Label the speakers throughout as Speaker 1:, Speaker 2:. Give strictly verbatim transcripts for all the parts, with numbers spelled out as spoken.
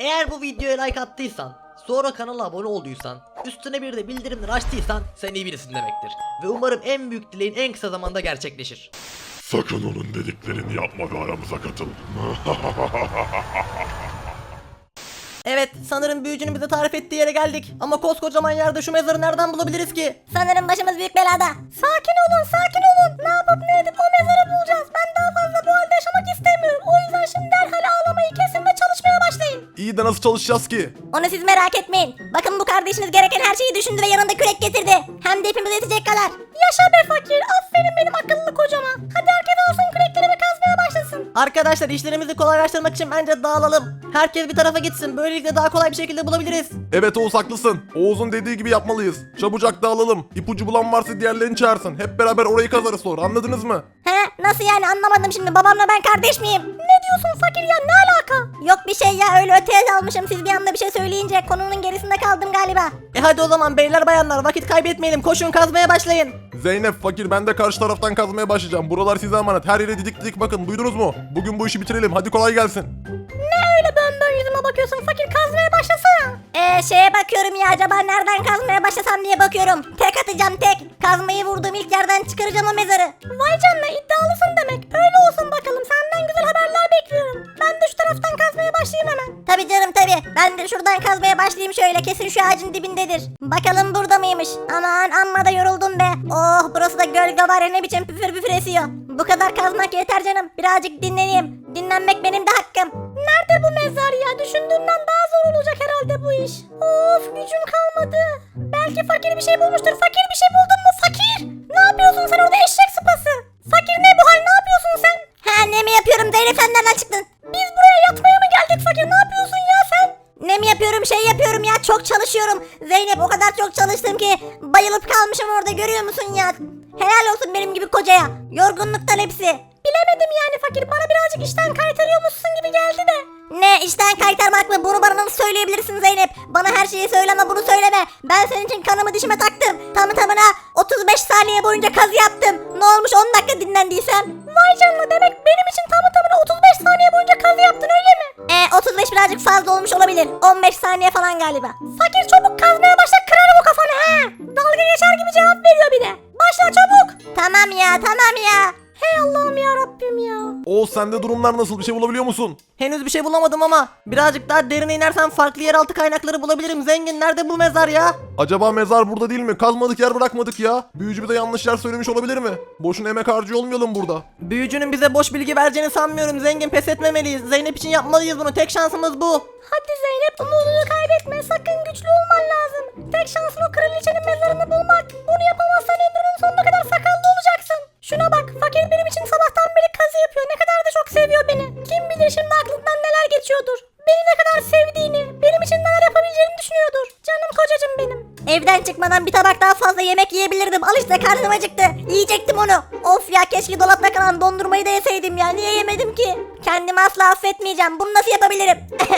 Speaker 1: Eğer bu videoya like attıysan, sonra kanala abone olduysan, üstüne bir de bildirimleri açtıysan sen iyi birisin demektir. Ve umarım en büyük dileğin en kısa zamanda gerçekleşir.
Speaker 2: Sakın onun dediklerini yapma ve aramıza katıl.
Speaker 1: Evet, sanırım büyücünün bize tarif ettiği yere geldik. Ama koskocaman yerde şu mezarı nereden bulabiliriz ki?
Speaker 3: Sanırım başımız büyük belada. Sakin olun, sakin olun. Ne yapıp ne edip o mezarı bulacağız. Ben daha fazla bu halde yaşamak istemiyorum. O yüzden şimdi derhal ağlamayı kesin ve çalışmaya başlayın.
Speaker 4: İyi de nasıl çalışacağız ki?
Speaker 3: Onu siz merak etmeyin. Bakın bu kardeşiniz gereken her şeyi düşündü ve yanında kürek getirdi. Hem de hepimize yetecek kadar. Yaşa be fakir. Aferin benim akıllı kocama. Hadi herkes alsın kürekleri ve kazmaya başlasın.
Speaker 1: Arkadaşlar, işlerimizi kolaylaştırmak için bence dağılalım. Herkes bir tarafa gitsin. Böylelikle daha kolay bir şekilde bulabiliriz.
Speaker 4: Evet Oğuz haklısın. Oğuz'un dediği gibi yapmalıyız. Çabucak dağılalım. İpucu bulan varsa diğerlerini çağırsın. Hep beraber orayı kazarız sonra, anladınız mı?
Speaker 3: He, nasıl yani, anlamadım şimdi. Babamla ben kardeş miyim? Ne diyorsun fakir ya, ne alaka? Yok bir şey ya, öyle öteye dalmışım. Siz bir anda bir şey söyleyince konunun gerisinde kaldım galiba.
Speaker 1: E hadi o zaman beyler bayanlar, vakit kaybetmeyelim. Koşun, kazmaya başlayın.
Speaker 4: Zeynep, fakir, ben de karşı taraftan kazmaya başlayacağım. Buralar size emanet. Her yere didik didik bakın, duydunuz mu? Bugün bu işi bitirelim. Hadi kolay gelsin.
Speaker 3: Ne öyle bön bön yüzüme bakıyorsun fakir, kazmaya başlasana. Eee şeye bakıyorum ya, acaba nereden kazmaya başlasam diye bakıyorum. Tek atacağım tek. Kazmayı vurduğum ilk yerden çıkaracağım o mezarı. Vay canına, iddialısın demek. Öyle olsun bakalım, senden güzel haberler bekliyorum. Ben de şu taraftan kazmaya başlayayım hemen. Tabi canım tabi. Ben de şuradan kazmaya başlayayım şöyle, kesin şu ağacın dibindedir. Bakalım burada mıymış? Aman amma da yoruldum be. Oh, burası da gölge var ya, ne biçim püfür püfür esiyor. Bu kadar kazmak yeter canım. Birazcık dinleneyim. Dinlenmek benim de hakkım. Nerede bu mezar ya? Düşündüğümden daha zor olacak herhalde bu iş. Of, gücüm kalmadı. Belki fakir bir şey bulmuştur. Fakir bir şey buldun mu fakir? Ne yapıyorsun sen orada eşek sıpası? Fakir ne bu hal, ne yapıyorsun sen? Ha, ne mi yapıyorum Zeynep, sen nereden çıktın? Biz buraya yatmaya mı geldik fakir, ne yapıyorsun ya sen? Ne mi yapıyorum, şey yapıyorum ya, çok çalışıyorum. Zeynep, o kadar çok çalıştım ki bayılıp kalmışım orada, görüyor musun ya? Helal olsun benim gibi kocaya. Yorgunluktan hepsi. Bilemedim yani fakir, bana birazcık işten kaytarıyormuşsun gibi geldi de. Ne işten kaytarmak mı? Bunu bana nasıl söyleyebilirsin Zeynep? Bana her şeyi söyle ama bunu söyleme. Ben senin için kanımı dişime taktım. Tamı tamına otuz beş saniye boyunca kazı yaptım. Ne olmuş on dakika dinlendiysem? Vay canına, demek benim için tamı tamına otuz beş saniye boyunca kazı yaptın öyle mi? Eee otuz beş birazcık fazla olmuş olabilir. on beş saniye falan galiba. Fakir çabuk kazmaya başla, kırarım o kafanı ha. Dalga geçer gibi cevap veriyor bir de. Başla çabuk. Tamam ya, tamam ya. Hey Allah'ım ya Rabbim ya.
Speaker 4: Oğuz, sende durumlar nasıl? Bir şey bulabiliyor musun?
Speaker 1: Henüz bir şey bulamadım ama birazcık daha derine inersem farklı yeraltı kaynakları bulabilirim. Zengin, nerede bu mezar ya?
Speaker 4: Acaba mezar burada değil mi? Kazmadık yer bırakmadık ya. Büyücü bize yanlış yer söylemiş olabilir mi? Boşuna emek harcıyor olmayalım burada.
Speaker 1: Büyücünün bize boş bilgi vereceğini sanmıyorum. Zengin, pes etmemeliyiz. Zeynep için yapmalıyız bunu. Tek şansımız bu.
Speaker 3: Hadi Zeynep, umudunu kaybetme. Sakın güçlü olman lazım. Tek şansın o kraliçenin mezarını bulmak. Bunu yapamazsan ömrünün sonuna kadar sakallı olacaksın. Şuna bak, fakir benim için sabahtan beri kazı yapıyor. Ne kadar da çok seviyor beni. Kim bilir şimdi aklından neler geçiyordur. Beni ne kadar sevdiğini, benim için neler yapabileceğini düşünüyordur. Canım kocacığım benim. Evden çıkmadan bir tabak daha fazla yemek yiyebilirdim. Al işte, karnım acıktı. Yiyecektim onu. Of ya, keşke dolapta kalan dondurmayı da yeseydim ya. Niye yemedim ki? Kendimi asla affetmeyeceğim. Bunu nasıl yapabilirim?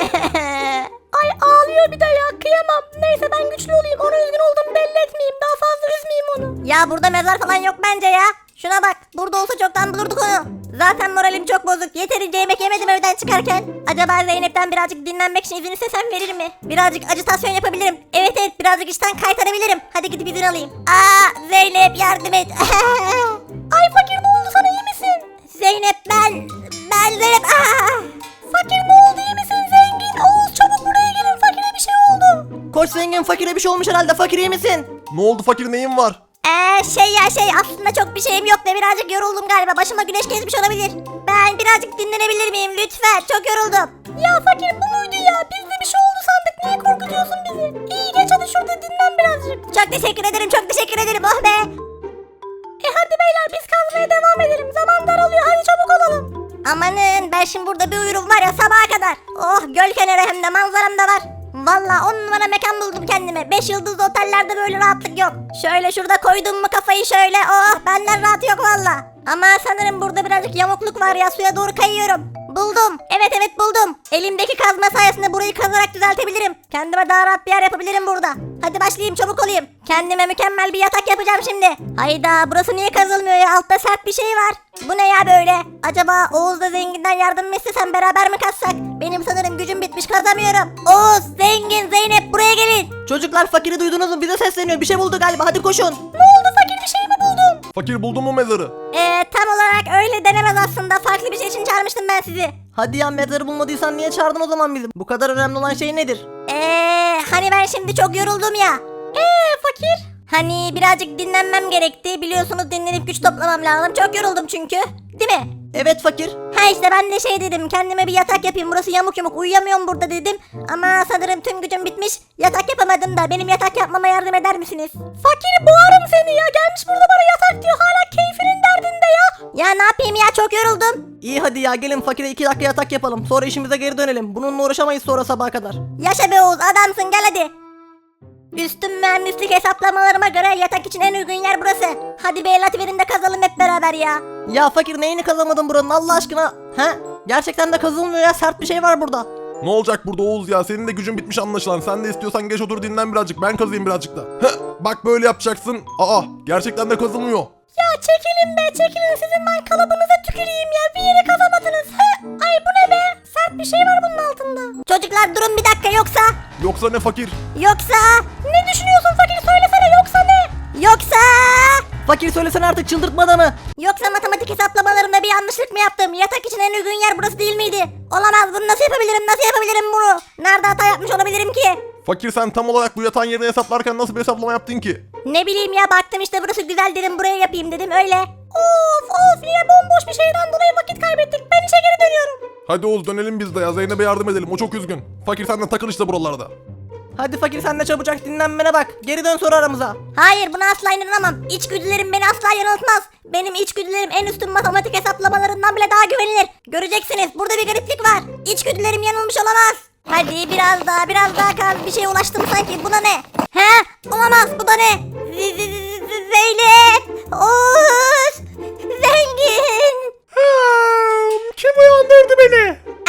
Speaker 3: Ay, ağlıyor bir de ya, kıyamam. Neyse, ben güçlü olayım. Ona üzgün olduğumu belli etmeyeyim. Daha fazla üzmeyeyim onu. Ya burada mezar falan yok bence ya. Şuna bak, burada olsa çoktan bulurduk onu. Zaten moralim çok bozuk. Yeterince yemek yemedim evden çıkarken. Acaba Zeynep'ten birazcık dinlenmek için izin istesem verir mi? Birazcık ajitasyon yapabilirim. Evet evet, birazcık işten kaytarabilirim. Hadi gidip izin alayım. Aa, Zeynep yardım et. Ay fakir, ne oldu sana, iyi misin? Zeynep, ben... Ben Zeynep... Aa! Fakir ne oldu, iyi misin zengin? Oğuz, çabuk buraya gelin, fakire bir şey oldu.
Speaker 1: Koş zengin, fakire bir şey olmuş herhalde. Fakir, iyi misin?
Speaker 4: Ne oldu fakir, neyin var?
Speaker 3: Eee şey ya şey aslında çok bir şeyim yok da birazcık yoruldum galiba, başıma güneş gezmiş olabilir. Ben birazcık dinlenebilir miyim lütfen, çok yoruldum. Ya fakir, bu muydu ya, biz de bir şey oldu sandık, niye korkutuyorsun bizi? İyi, geç hadi şurada dinlen birazcık. Çok teşekkür ederim, çok teşekkür ederim, oh be. E hadi beyler, biz kazmaya devam edelim, zaman daralıyor, hadi çabuk olalım. Amanın, ben şimdi burada bir uyurum var ya sabaha kadar. Oh, göl kenarı, hem de manzaram da var. Valla on numara mekan buldum kendime. Beş yıldızlı otellerde böyle rahatlık yok. Şöyle şurada koydum mu kafayı şöyle, oh, benden rahat yok valla. Ama sanırım burada birazcık yamukluk var ya, suya doğru kayıyorum. Buldum. Evet evet buldum. Elimdeki kazma sayesinde burayı kazarak düzeltebilirim. Kendime daha rahat bir yer yapabilirim burada. Hadi başlayayım, çabuk olayım. Kendime mükemmel bir yatak yapacağım şimdi. Hayda, burası niye kazılmıyor ya? Altta sert bir şey var. Bu ne ya böyle? Acaba Oğuz'la Zengin'den yardım mı istesem, beraber mi kazsak? Benim sanırım gücüm bitmiş, kazamıyorum. Oğuz, Zengin, Zeynep buraya gelin.
Speaker 1: Çocuklar, fakiri duydunuz mu? Bize sesleniyor. Bir şey buldu galiba. Hadi koşun.
Speaker 3: Ne oldu fakir, bir şey mi buldun?
Speaker 4: Fakir buldun mu mezarı?
Speaker 3: Ee, tam olarak öyle denemez aslında. Farklı bir şey için çağırmıştım ben sizi.
Speaker 1: Hadi ya, mezarı bulmadıysan niye çağırdın o zaman bizi? Bu kadar önemli olan şey nedir?
Speaker 3: Eee hani ben şimdi çok yoruldum ya. Eee fakir? Hani birazcık dinlenmem gerekti. Biliyorsunuz dinlenip güç toplamam lazım. Çok yoruldum çünkü. Değil mi?
Speaker 1: Evet fakir.
Speaker 3: Ha işte ben de şey dedim, kendime bir yatak yapayım, burası yamuk yumuk, uyuyamıyorum burada dedim. Ama sanırım tüm gücüm bitmiş, yatak yapamadım da benim yatak yapmama yardım eder misiniz? Fakir, boğarım seni ya, gelmiş burada bana yatak diyor, hala keyfinin derdinde ya. Ya ne yapayım ya, çok yoruldum.
Speaker 1: İyi hadi ya, gelin fakire iki dakika yatak yapalım. Sonra işimize geri dönelim. Bununla uğraşamayız sonra sabaha kadar.
Speaker 3: Yaşa be Oğuz, adamsın, gel hadi. Üstün mühendislik hesaplamalarıma göre yatak için en uygun yer burası. Hadi bir el atıverin de kazalım hep beraber ya.
Speaker 1: Ya fakir, neyini kazamadın buranın Allah aşkına? He? Gerçekten de kazılmıyor ya, sert bir şey var burada.
Speaker 4: Ne olacak burada Oğuz ya? Senin de gücün bitmiş anlaşılan. Sen de istiyorsan geç otur dinlen birazcık. Ben kazıyım birazcık da. Heh, bak böyle yapacaksın. Aa, gerçekten de kazılmıyor.
Speaker 3: Ya çekilin be, çekilin, sizin ben kalıbınıza tüküreyim ya, bir yere kazamadınız. He? Ay bu ne be, sert bir şey var bunun altında. Çocuklar durun bir dakika, yoksa...
Speaker 4: Yoksa ne fakir?
Speaker 3: Yoksa... Ne düşünüyorsun fakir, söylesene, yoksa ne? Yoksa...
Speaker 1: Fakir söylesene artık, çıldırtma da mı?
Speaker 3: Yoksa matematik hesaplamalarımda bir yanlışlık mı yaptım? Yatak için en uygun yer burası değil miydi? Olamaz, bunu nasıl yapabilirim, nasıl yapabilirim bunu? Nerede hata yapmış olabilirim ki?
Speaker 4: Fakir, sen tam olarak bu yatağın yerini hesaplarken nasıl bir hesaplama yaptın ki?
Speaker 3: Ne bileyim ya, baktım işte burası güzel dedim, buraya yapayım dedim, öyle. Of of, yine bomboş bir şeyden dolayı vakit kaybettik, ben işe geri dönüyorum.
Speaker 4: Hadi Oğuz, dönelim biz de ya. Zeynep'e yardım edelim, o çok üzgün. Fakir, sen de takıl işte buralarda.
Speaker 1: Hadi fakir, sen de çabucak dinlenmene bak. Geri dön sonra aramıza.
Speaker 3: Hayır, buna asla inanamam. İçgüdülerim beni asla yanıltmaz. Benim içgüdülerim en üstün matematik hesaplamalarından bile daha güvenilir. Göreceksiniz, burada bir gariplik var. İçgüdülerim yanılmış olamaz. Hadi biraz daha, biraz daha kal. Bir şeye ulaştım sanki. Bu da ne? He? Olamaz, bu da ne? Z- Z- Z- Zeynep! Oğuz! Zengin!
Speaker 4: Kim uyandırdı beni?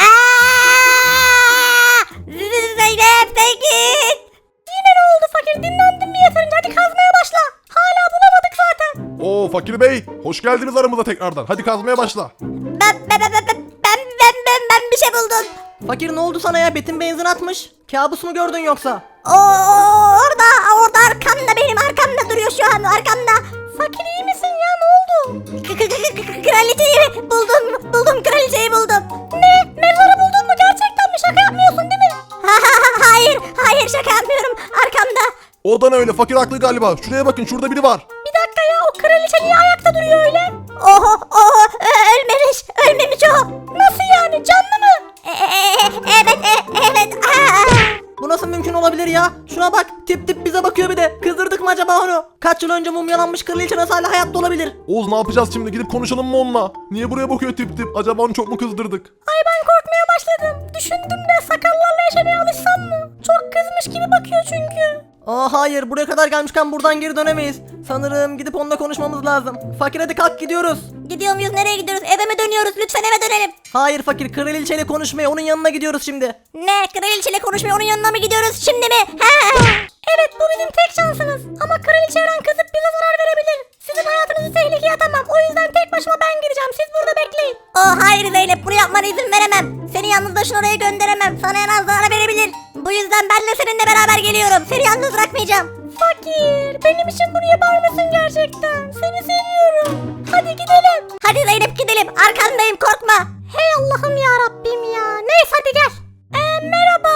Speaker 3: Aa! Z- Zeynep, Zengin! Yine ne oldu fakir? Dinlendin mi yeterince? Hadi kazmaya başla. Hala bulamadık zaten.
Speaker 4: Oo Fakir Bey, hoş geldiniz aramıza tekrardan. Hadi kazmaya başla.
Speaker 3: Ben, ben, ben, ben, ben, ben, ben, ben, ben bir şey buldum.
Speaker 1: Fakir, ne oldu sana ya? Betin benzin atmış. Kabus mu gördün yoksa?
Speaker 3: Oo, orada, orada arkamda, benim arkamda duruyor şu an, arkamda. Fakir iyi misin ya, ne oldu? K- k- k- k- Kraliçeyi buldum, buldum, kraliçeyi buldum. Ne? Mezarı buldun mu? Gerçekten mi? Şaka yapmıyorsun değil mi? Hayır, hayır şaka yapmıyorum, arkamda.
Speaker 4: O da ne öyle? Fakir haklı galiba. Şuraya bakın, şurada biri var.
Speaker 3: Bir dakika ya, o kraliçe niye ayakta duruyor öyle? Oho, oho, ö- ölmemiş, ölmemiş o. Nasıl yani, canlı mı? E- e- e- evet, e- evet. Aa!
Speaker 1: Bu nasıl mümkün olabilir ya? Şuna bak, tip tip bize bakıyor bir de. Kızdırdık mı acaba onu? Kaç yıl önce mumyalanmış kraliçe nasıl hala hayatta olabilir?
Speaker 4: Oğuz, ne yapacağız şimdi? Gidip konuşalım mı onunla? Niye buraya bakıyor tip tip? Acaba onu çok mu kızdırdık?
Speaker 3: Ay ben korkmaya başladım. Düşündüm de sakallarla yaşamaya alışsam mı? Çok kızmış gibi bakıyor çünkü.
Speaker 1: Aa hayır, buraya kadar gelmişken buradan geri dönemeyiz. Sanırım gidip onunla konuşmamız lazım. Fakir hadi kalk, gidiyoruz.
Speaker 3: Gidiyor muyuz, nereye gidiyoruz? Eve mi dönüyoruz? Lütfen eve dönelim.
Speaker 1: Hayır fakir, kraliçeyle konuşmaya onun yanına gidiyoruz şimdi.
Speaker 3: Ne? Kraliçeyle konuşmaya onun yanına mı gidiyoruz şimdi mi? He? Evet, bu bizim tek şansımız. Ama kraliçe her an kızıp bize zarar verebilir. Sizin hayatınızı tehlikeye atamam. O yüzden tek başıma ben gireceğim. Siz burada bekleyin. Oh hayır Zeynep, bunu yapmana izin veremem. Seni yalnız başına oraya gönderemem. Sana en az zarar verebilir. Bu yüzden ben de seninle beraber geliyorum. Seni yalnız bırakmayacağım. Fakir, benim için bunu yapar mısın gerçekten? Seni seviyorum. Hadi gidelim. Hadi Zeynep gidelim. Arkandayım, korkma. Hey Allah'ım ya Rabbim ya. Neyse hadi gel. Ee, merhaba.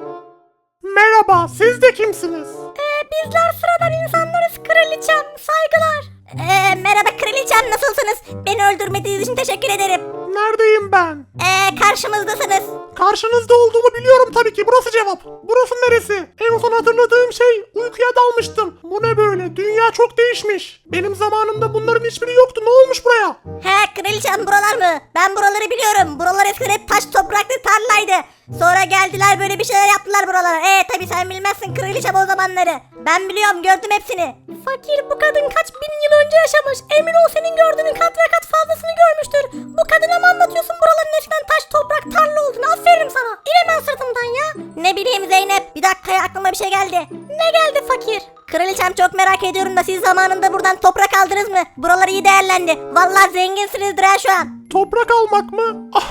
Speaker 5: Merhaba, siz de kimsiniz?
Speaker 3: Ee, bizler sıradan insanlarız kraliçem. Saygılar. Ee, merhaba kraliçem, nasılsınız? Beni öldürmediğiniz için teşekkür ederim.
Speaker 5: Neredeyim ben?
Speaker 3: Ee, karşımızdasınız.
Speaker 5: Karşınızda olduğumu biliyorum tabii ki. Burası cevap. Burası neresi? En son hatırladığım şey, uykuya dalmıştım. Bu ne böyle? Dünya çok değişmiş. Benim zamanımda bunların hiçbiri yoktu. Ne olmuş buraya?
Speaker 3: He kraliçem, buralar mı? Ben buraları biliyorum. Buralar eskiden hep taş topraklı tarlaydı. Sonra geldiler, böyle bir şeyler yaptılar buralara. Ee tabii sen bilmezsin kraliçem o zamanları. Ben biliyorum, gördüm hepsini. Fakir, bu kadın kaç bin yıl önce yaşamış. Emin ol senin gördüğünün kat ve kat fazlasını görmüştür. Bu kadına mı anlatıyorsun buraların eskiden taş, toprak, tarla olduğunu? Aferin sana. İn hemen sırtımdan ya. Ne bileyim Zeynep. Bir dakika ya, aklıma bir şey geldi. Ne geldi fakir? Kraliçem, çok merak ediyorum da siz zamanında buradan toprak aldınız mı? Buralar iyi değerlendi. Vallahi zenginsinizdir ha şu an.
Speaker 5: Toprak almak mı?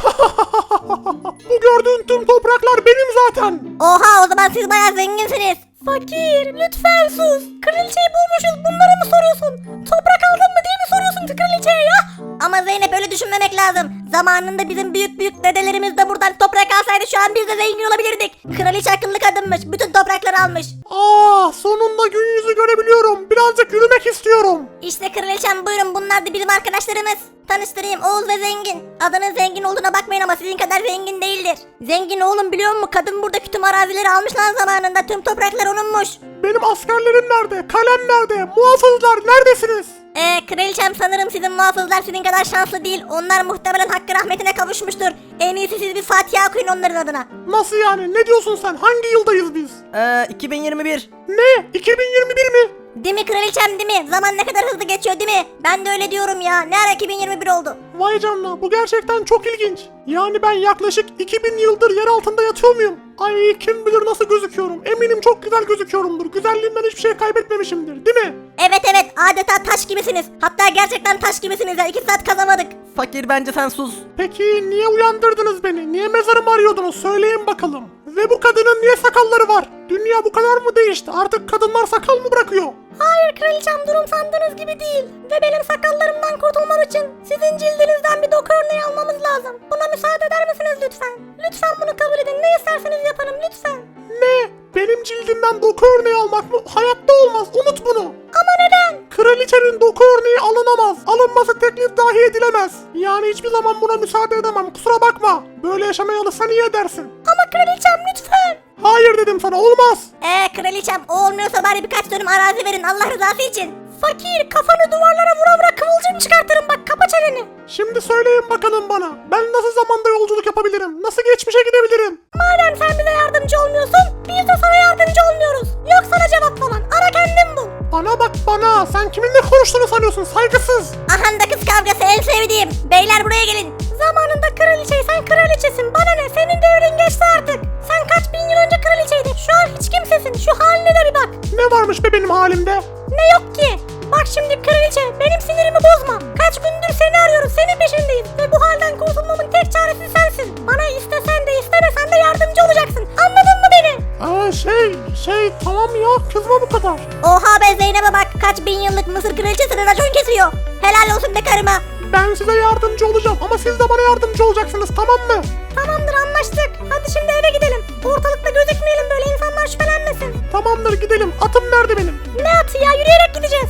Speaker 5: Bu gördüğün tüm topraklar benim zaten.
Speaker 3: Oha, o zaman siz bayağı zenginsiniz. Fakir, lütfen sus. Kraliçeyi bulmuşuz, bunları mı soruyorsun? Toprak aldın mı diye mi soruyorsun kraliçeye ya? Ama Zeynep, öyle düşünmemek lazım. Zamanında bizim büyük büyük dedelerimiz de buradan toprak alsaydı şu an biz de zengin olabilirdik. Kraliçe akıllı kadınmış, bütün toprakları almış.
Speaker 5: Aa, sonunda gün yüzü görebiliyorum. Birazcık yürümek istiyorum.
Speaker 3: İşte kraliçem, buyurun, bunlar da bizim arkadaşlarımız. Tanıştırayım, Oğuz ve Zengin. Adının zengin olduğuna bakmayın ama sizin kadar zengin değildir. Zengin oğlum, biliyor musun? Kadın buradaki tüm arazileri almış lan zamanında. Tüm topraklar onunmuş.
Speaker 5: Benim askerlerim nerede? Kalem nerede? Muhafızlar neredesiniz?
Speaker 3: Eee kraliçem, sanırım sizin muhafızlar sizin kadar şanslı değil. Onlar muhtemelen hakkı rahmetine kavuşmuştur. En iyisi siz bir Fatiha okuyun onların adına.
Speaker 5: Nasıl yani? Ne diyorsun sen? Hangi yıldayız biz?
Speaker 1: Eee iki bin yirmi bir.
Speaker 5: Ne? iki bin yirmi bir mi?
Speaker 3: Değil mi kraliçem, değil mi? Zaman ne kadar hızlı geçiyor değil mi? Ben de öyle diyorum ya. Ne ara iki bin yirmi bir oldu?
Speaker 5: Vay canına, bu gerçekten çok ilginç. Yani ben yaklaşık iki bin yıldır yer altında yatıyor muyum? Ay, kim bilir nasıl gözüküyorum. Eminim çok güzel gözüküyorumdur. Güzelliğimden hiçbir şey kaybetmemişimdir, değil mi?
Speaker 3: Evet evet, adeta taş gibisiniz. Hatta gerçekten taş gibisiniz ya. iki saat kazamadık.
Speaker 1: Fakir, bence sen sus.
Speaker 5: Peki niye uyandırdınız beni? Niye mezarımı arıyordunuz? Söyleyin bakalım. Ve bu kadının niye sakalları var? Dünya bu kadar mı değişti? Artık kadınlar sakal mı bırakıyor?
Speaker 3: Hayır kraliçem, durum sandığınız gibi değil. Ve benim sakallarımdan kurtulmam için sizin cildinizden bir doku örneği almamız lazım. Buna müsaade eder misiniz lütfen? Lütfen bunu kabul edin. Ne isterseniz yaparım lütfen.
Speaker 5: Ne? Benim cildimden doku örneği almak mı? Hayatta olmaz. Unut bunu.
Speaker 3: Ama neden?
Speaker 5: Kraliçenin doku örneği alınamaz. Alınması teklif dahi edilemez. Yani hiçbir zaman buna müsaade edemem. Kusura bakma. Böyle yaşamaya alırsan iyi edersin.
Speaker 3: Ama kraliçem lütfen.
Speaker 5: Hayır dedim sana, olmaz.
Speaker 3: Eee kraliçem, o olmuyorsa bari birkaç dönüm arazi verin Allah rızası için. Fakir, kafanı duvarlara vura vura kıvılcım çıkartırım, bak kapa çeneni.
Speaker 5: Şimdi söyleyin bakalım bana. Ben nasıl zamanda yolculuk yapabilirim? Nasıl geçmişe gidebilirim?
Speaker 3: Madem sen bize yardımcı olmuyorsun, biz de sana yardımcı olmuyoruz. Yok sana cevap falan, ara kendin bul.
Speaker 5: Bana bak bana. Sen kiminle konuştuğunu sanıyorsun, saygısız.
Speaker 3: Ahanda kız kavgası, en sevdiğim. Beyler buraya gelin. Zamanında kraliçeysen kraliçesin, bana ne, senin devrin geçti artık. Sen kaç bin yıl önce kraliçeydin, şu an hiç kimsesin, şu haline de bir bak.
Speaker 5: Ne varmış be benim halimde?
Speaker 3: Ne yok ki? Bak şimdi kraliçe, benim sinirimi bozma. Kaç gündür seni arıyoruz, senin peşindeyiz. Ve bu halden kurtulmamın tek çaresi sensin. Bana istesen de istemesen de yardımcı olacaksın. Anladın mı beni?
Speaker 5: Aa şey, şey tamam ya, kızma bu kadar.
Speaker 3: Oha be, Zeynep'e bak, kaç bin yıllık Mısır kraliçesine racon kesiyor. Helal olsun be karıma.
Speaker 5: Ben size yardımcı olacağım ama siz de bana yardımcı olacaksınız, tamam mı?
Speaker 3: Tamamdır, anlaştık. Hadi şimdi eve gidelim. Ortalıkta gözükmeyelim, böyle insanlar şüphelenmesin.
Speaker 5: Tamamdır, gidelim. Atım nerede benim?
Speaker 3: Ne atı ya, yürüyerek gideceğiz.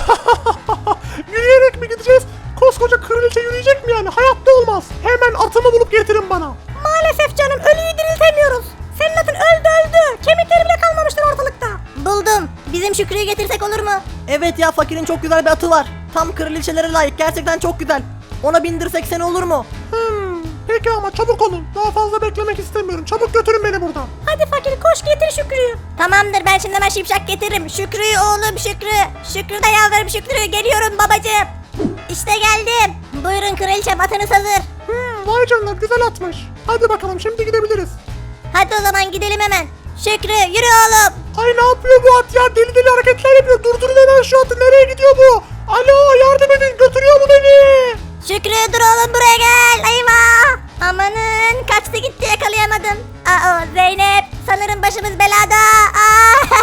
Speaker 5: Yürüyerek mi gideceğiz? Koskoca kraliçe yürüyecek mi yani? Hayatta olmaz. Hemen atımı bulup getirin bana.
Speaker 3: Maalesef canım, ölüyü diriltemiyoruz. Senin atın öldü öldü. Kemikleri bile kalmamıştır ortalıkta. Buldum. Bizim Şükrü'yü getirsek olur mu?
Speaker 1: Evet ya, fakirin çok güzel bir atı var. Tam kraliçelere layık, gerçekten çok güzel. Ona bindirsek seni olur mu?
Speaker 5: Hmm, peki ama çabuk olun. Daha fazla beklemek istemiyorum. Çabuk götürün beni buradan.
Speaker 3: Hadi fakir, koş getir Şükrü'yü. Tamamdır, ben şimdi hemen şipşak getiririm. Şükrü'yü oğlum, Şükrü. Şükrü de yavrum, Şükrü. Geliyorum babacığım. İşte geldim. Buyurun kraliçem, atınız hazır.
Speaker 5: Hmm, vay canına, güzel atmış. Hadi bakalım, şimdi gidebiliriz.
Speaker 3: Hadi o zaman gidelim hemen. Şükrü, yürü oğlum.
Speaker 5: Ay ne yapıyor bu at ya? Deli deli hareketler yapıyor. Durdurun hemen şu atı. Nereye gidiyor bu? Alo, yardım edin. Götürüyor mu beni?
Speaker 3: Şükrü dur oğlum, buraya gel. Eyvah. Amanın, kaçtı gitti, yakalayamadım. Aa, Zeynep, sanırım başımız belada. Aa.